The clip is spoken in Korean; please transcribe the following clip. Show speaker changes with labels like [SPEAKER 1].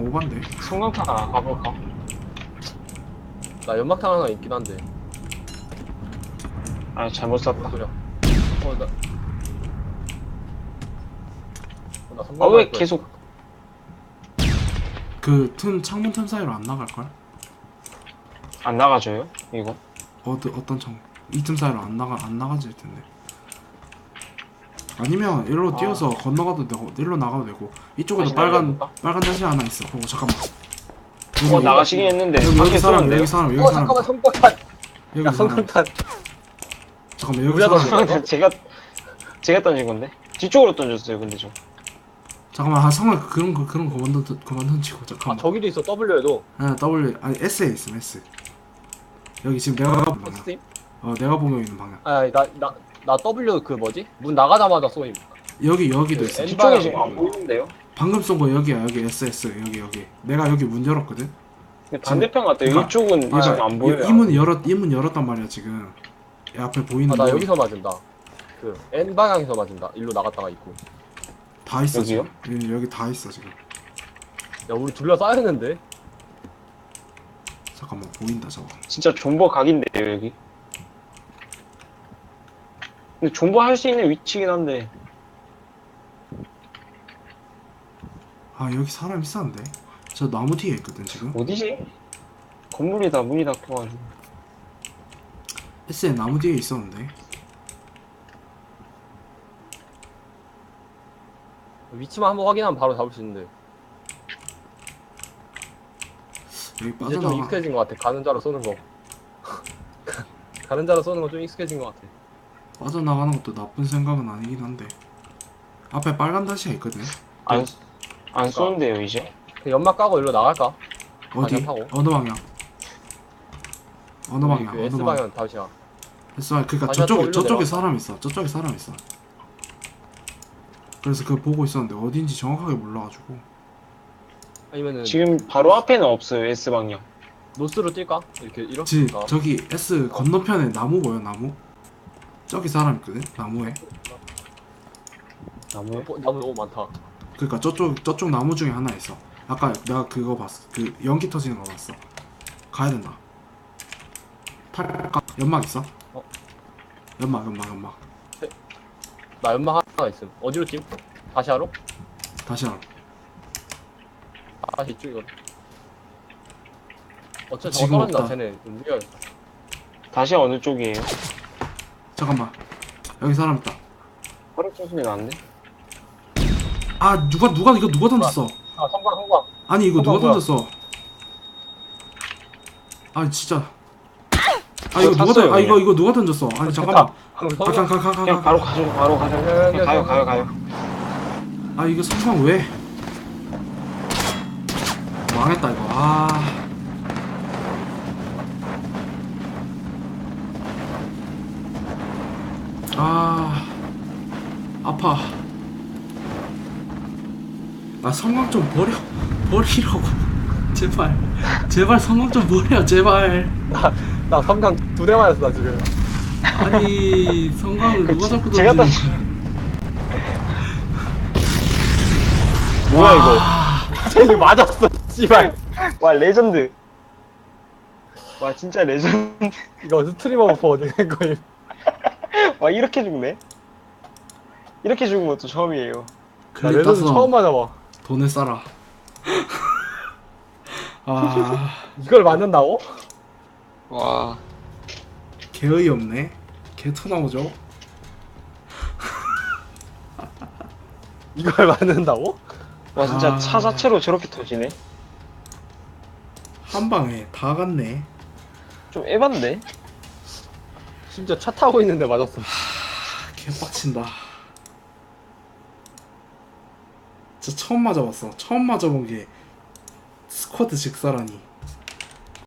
[SPEAKER 1] 오반데.
[SPEAKER 2] 성광탄 하나 가볼까?
[SPEAKER 3] 나 연막탄 하나 있긴 한데.
[SPEAKER 2] 아 잘못 샀다.
[SPEAKER 3] 소리야. 나. 나
[SPEAKER 2] 아 왜 계속
[SPEAKER 1] 그 틈 창문 틈 사이로 안 나갈 걸?
[SPEAKER 2] 안 나가줘요? 이거?
[SPEAKER 1] 어떤 창문? 이 틈 사이로 안 나가질 텐데. 아니면 일로 뛰어서 건너가도 되고 일로 나가도 되고 이쪽에도
[SPEAKER 2] 다시
[SPEAKER 1] 빨간
[SPEAKER 2] 날려볼까?
[SPEAKER 1] 다시 하나 있어. 잠깐만.
[SPEAKER 2] 나가시긴 했는데
[SPEAKER 1] 여기
[SPEAKER 2] 밖에
[SPEAKER 1] 사람
[SPEAKER 2] 쏘는데요?
[SPEAKER 1] 여기 사람 여기 사람
[SPEAKER 3] 잠깐만 성광탄.
[SPEAKER 1] 여기
[SPEAKER 3] 야
[SPEAKER 1] 사람.
[SPEAKER 3] 성광탄.
[SPEAKER 1] 잠깐만 여기
[SPEAKER 3] 우리가
[SPEAKER 1] 사람.
[SPEAKER 3] 던진
[SPEAKER 2] 제가 던진 건데 뒤쪽으로 던졌어요. 근데 저
[SPEAKER 1] 잠깐만 한 성을 그런 거 그만 던지고
[SPEAKER 3] 아
[SPEAKER 1] 잠깐만.
[SPEAKER 3] 저기도 있어 W에도.
[SPEAKER 1] W 아니 S에 있음 S. 여기 지금 내가 보는 방향.
[SPEAKER 3] 스팀?
[SPEAKER 1] 내가 보고 있는 방향.
[SPEAKER 3] 아니 나 W 그 뭐지? 문 나가자마자 쏘임.
[SPEAKER 1] 여기도 있어.
[SPEAKER 3] N
[SPEAKER 2] 뒤쪽에 지금 안 보이는데요?
[SPEAKER 1] 방금 쏜 거 여기야. 여기 SS 여기. 내가 여기 문 열었거든.
[SPEAKER 2] 근데 반대편 같아요.
[SPEAKER 1] 그러니까-
[SPEAKER 2] 이쪽은 지금 안 보여요.
[SPEAKER 1] 이 문 열었단 말이야 지금. 이 앞에 보이는
[SPEAKER 3] 나
[SPEAKER 1] 거
[SPEAKER 3] 여기서 맞은다. 그 N 방향에서 맞은다. 일로 나갔다가 있고.
[SPEAKER 1] 다 있어
[SPEAKER 2] 여기요?
[SPEAKER 1] 지금. 여기 다 있어 지금.
[SPEAKER 3] 야 우리 둘러싸였는데.
[SPEAKER 1] 잠깐만 보인다 저거.
[SPEAKER 2] 진짜 존버 각인데요 여기. 근데 존버 할 수 있는 위치긴 한데
[SPEAKER 1] 아 여기 사람 있었는데. 저 나무 뒤에 있거든 지금.
[SPEAKER 2] 어디지? 건물이 다 문이 닫혀가지고.
[SPEAKER 1] S에 나무 뒤에 있었는데.
[SPEAKER 3] 위치만 한번 확인하면 바로 잡을 수 있는데.
[SPEAKER 1] 여기
[SPEAKER 3] 이제 좀
[SPEAKER 1] 빠져나가.
[SPEAKER 3] 익숙해진 것 같아. 가는 자로 쏘는 거. 가는 자로 쏘는 거 좀 익숙해진 것 같아.
[SPEAKER 1] 빠져나가는 것도 나쁜 생각은 아니긴 한데. 앞에 빨간 다시가 있거든.
[SPEAKER 2] 안 쏘는데요 이제?
[SPEAKER 3] 그 연막 까고 일로 나갈까?
[SPEAKER 1] 어디?
[SPEAKER 3] 방향 타고.
[SPEAKER 1] 어느 방향? 어느 방향?
[SPEAKER 3] 그
[SPEAKER 1] 어느
[SPEAKER 3] S
[SPEAKER 1] 방향?
[SPEAKER 3] 방향 다시야.
[SPEAKER 1] S방향. 그니까
[SPEAKER 3] 다시 한번 일로
[SPEAKER 1] 저쪽에
[SPEAKER 3] 내려가.
[SPEAKER 1] 사람 있어. 저쪽에 사람 있어. 그래서 그거 보고 있었는데 어딘지 정확하게 몰라가지고.
[SPEAKER 3] 아니면은
[SPEAKER 2] 지금 바로 앞에는 없어요. S 방향.
[SPEAKER 3] 노스로 뛸까? 이렇게 뛸까?
[SPEAKER 1] 저기 S 건너편에 나무 보여 나무? 저기 사람 있거든 나무에.
[SPEAKER 2] 나무에?
[SPEAKER 3] 나무 너무 많다.
[SPEAKER 1] 그러니까 저쪽 나무 중에 하나 있어. 아까 내가 그거 봤어. 그 연기 터지는 거 봤어. 가야 된다. 탈까? 연막 있어?
[SPEAKER 3] 어?
[SPEAKER 1] 연막.
[SPEAKER 3] 나 연막 하나 있음. 어디로 찜? 다시 하러?
[SPEAKER 1] 다시 하라.
[SPEAKER 3] 다시 이쪽이거든. 어차피
[SPEAKER 1] 지금
[SPEAKER 3] 저거 떨어진다.
[SPEAKER 1] 없다.
[SPEAKER 3] 쟤네 움직여야겠다.
[SPEAKER 2] 다시 어느 쪽이에요?
[SPEAKER 1] 잠깐만. 여기 사람 있다.
[SPEAKER 2] 허리 소리 나는데?
[SPEAKER 1] 아 누가 이거 누가 던졌어?
[SPEAKER 3] 아 성광.
[SPEAKER 1] 아니 이거 누가
[SPEAKER 3] 뭐야?
[SPEAKER 1] 던졌어? 아 진짜. 아 이거 누가
[SPEAKER 2] 탔어요,
[SPEAKER 1] 이거 누가 던졌어? 아니 잠깐만.
[SPEAKER 3] 성광.
[SPEAKER 2] 그냥 바로 가죠. 바로 가죠. 그냥 가요.
[SPEAKER 1] 아 이거 성광 왜? 망했다 이거. 아파. 아 성광 좀 버리라고. 제발 성광 좀 버려 제발.
[SPEAKER 3] 나 성광 2대 맞았어 나 지금.
[SPEAKER 1] 아니 성광을 누가 자꾸
[SPEAKER 2] 제가
[SPEAKER 1] 던지는 거야.
[SPEAKER 2] 뭐야
[SPEAKER 1] 와.
[SPEAKER 3] 쟤네 맞았어. 씨발.
[SPEAKER 2] 와 레전드. 와 진짜 레전드.
[SPEAKER 3] 이거 스트리머 버퍼 어디 간 거임?
[SPEAKER 2] 와 이렇게 죽네? 이렇게 죽은 것도 처음이에요.
[SPEAKER 3] 나
[SPEAKER 1] 클립
[SPEAKER 3] 레전드 처음
[SPEAKER 1] 따서
[SPEAKER 3] 맞아봐.
[SPEAKER 1] 돈을 싸라.
[SPEAKER 3] 이걸 맞는다고?
[SPEAKER 2] 와
[SPEAKER 1] 개의이 없네. 개토 나오죠.
[SPEAKER 3] 이걸 맞는다고?
[SPEAKER 2] 와 진짜
[SPEAKER 1] 아.
[SPEAKER 2] 차 자체로 저렇게 터지네?
[SPEAKER 1] 한 방에 다 갔네.
[SPEAKER 2] 좀 에반데?
[SPEAKER 3] 심지어 차 타고 있는데 맞았어.
[SPEAKER 1] 개빡친다. 진짜 처음 맞아봤어. 처음 맞아본 게 스쿼드 직사라니.